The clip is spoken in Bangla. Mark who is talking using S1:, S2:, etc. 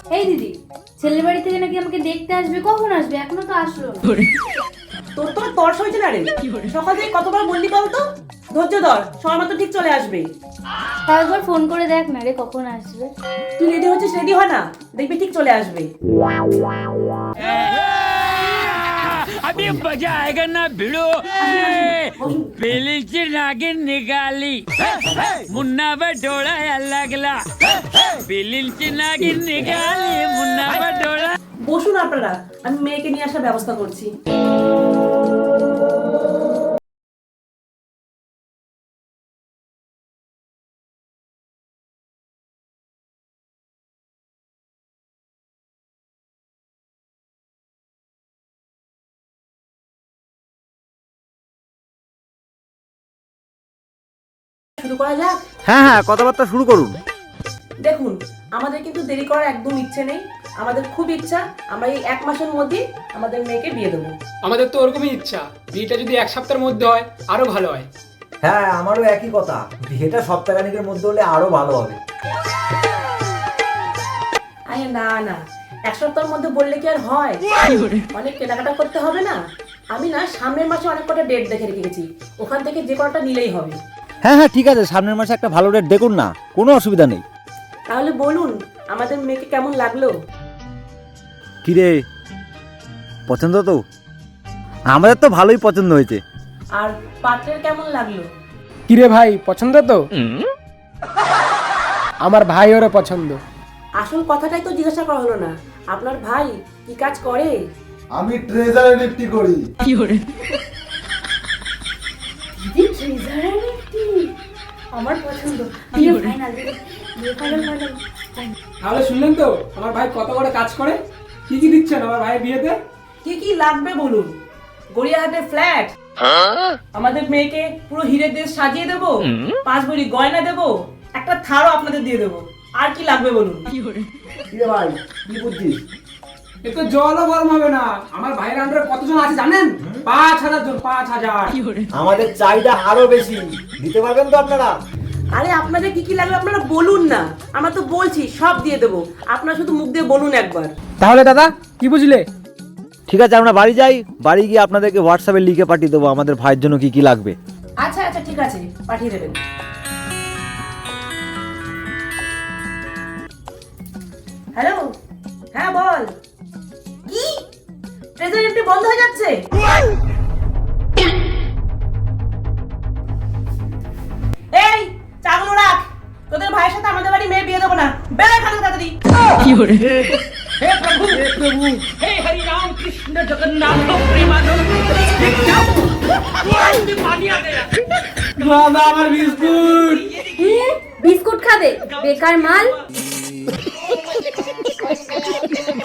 S1: এই দিদি, ছেলের বাড়ি থেকে নাকি আমাকে দেখতে আসবে, কখন আসবে? এখনো তো আসলো না।
S2: তোর তো তর্স হয়েছে না রে, সকাল থেকে কতবার বললি বলতো? ধৈর্য ধর, সময় মতো ঠিক চলে আসবে।
S1: তাও একবার ফোন করে দেখ না রে, কখন আসবে।
S2: তুই রেডি হচ্ছিস, রেডি হয় না, দেখবি ঠিক চলে আসবে।
S3: अभी मजा आएगा ना भिड़ो बेली नागिन निकाली मुन्ना बटोड़ा लगला बेली नागिन निकाली मुन्ना बटोड़ा।
S2: বসুন আপনারা, আমি মেয়েকে নিয়ে আসার ব্যবস্থা করছি। শুরু করা যাক।
S4: হ্যাঁ হ্যাঁ, কথাবার্তা শুরু করুন।
S2: দেখুন, আমাদের কিন্তু দেরি করার একদম ইচ্ছে নেই। আমাদের খুব ইচ্ছা আমরা এই 1 মাসের মধ্যে আমাদের মেয়েকে বিয়ে দেবো।
S5: আমাদের তো ওরকমই ইচ্ছা, বিয়েটা যদি 1 সপ্তাহের মধ্যে হয় আরো ভালো হয়।
S4: হ্যাঁ, আমারও একই কথা, বিয়েটা সপ্তাহখানেকের মধ্যে হলে আরো ভালো হবে।
S2: আরে না না, 1 সপ্তাহের মধ্যে বললে কি আর হয়? অনেক কেনাকাটা করতে হবে না? আমি না সামনের মাসে অনেক কটা ডেট দেখে রেখেছি, ওখান থেকে যে কটা নিলেই হবে।
S4: হ্যাঁ হ্যাঁ, ঠিক আছে, সামনের মাসে একটা ভালো ডেট দেখুন না, কোনো অসুবিধা নেই।
S2: তাহলে বলুন, আমাদের মেয়েকে কেমন লাগলো?
S4: কিরে, পছন্দ তো? আমাদের তো ভালোই পছন্দ হয়েছে।
S2: আর পাত্রের কেমন লাগলো?
S5: কিরে ভাই, পছন্দ তো? আমার ভাই ওরও পছন্দ।
S2: আসল কথাটাই তো জিজ্ঞাসা করা হলো না, আপনার ভাই কি কাজ করে?
S6: আমি ট্রেজারে নিফটি করি।
S1: দিদি ট্রেজারার একটি আমার পছন্দ। বিয়ে ফাইনাল, বিয়ে ফাইনাল ফাইনাল।
S5: তাহলে শুনলেন তো আমার ভাই কত বড় কাজ করে? কি কি দিচ্ছেন আমার ভাইয়ের বিয়েতে?
S2: কি কি লাগবে বলুন? গড়িয়াহাটের ফ্ল্যাট, আমাদের মেয়েকে পুরো হিরের দেশ সাজিয়ে দেবো, 5 ভরি গয়না দেবো, একটা থারও আপনাদের দিয়ে দেবো। আর কি লাগবে বলুন?
S6: কিরে ভাই, কি বুঝছিস?
S5: এ তো জলও গরম হবে না। আমার ভাইয়ের আন্ডারে কতজন আছে জানেন? 5,000 জন, 5,000।
S4: আমাদের চাহিদা আরো বেশি, দিতে পারবেন তো আপনারা?
S2: আরে আপনাদের কি কি লাগবে আপনারা বলুন না, আমরা তো বলছি সব দিয়ে দেবো, আপনারা শুধু মুখ দিয়ে বলুন একবার।
S5: তাহলে দাদা কি বুঝলে?
S4: ঠিক আছে, আমরা বাড়ি যাই, বাড়ি গিয়ে আপনাদেরকে হোয়াটসঅ্যাপে লিখে পাঠিয়ে দেবো আমাদের ভাইয়ের জন্য কি কি লাগবে।
S2: আচ্ছা আচ্ছা, ঠিক আছে, পাঠিয়ে দেবেন। হ্যালো, হ্যাঁ বল। কি ট্রেজারি নিফটি বন্ধ হয়ে যাচ্ছে? এই চাগুলো রাখ, তোদের ভাইয়ের সাথে আমাদের বাড়ি মেয়ে বিয়ে দেবো না, বের এখান থেকে তাড়াতাড়ি।
S3: हे प्रभु हे हरि राम कृष्ण जगन्नाथ प्रेमानंद ये क्या पानी आ गया।
S5: দাদা আমার বিস্কুট।
S1: বিস্কুট খাবে? বেকার মাল।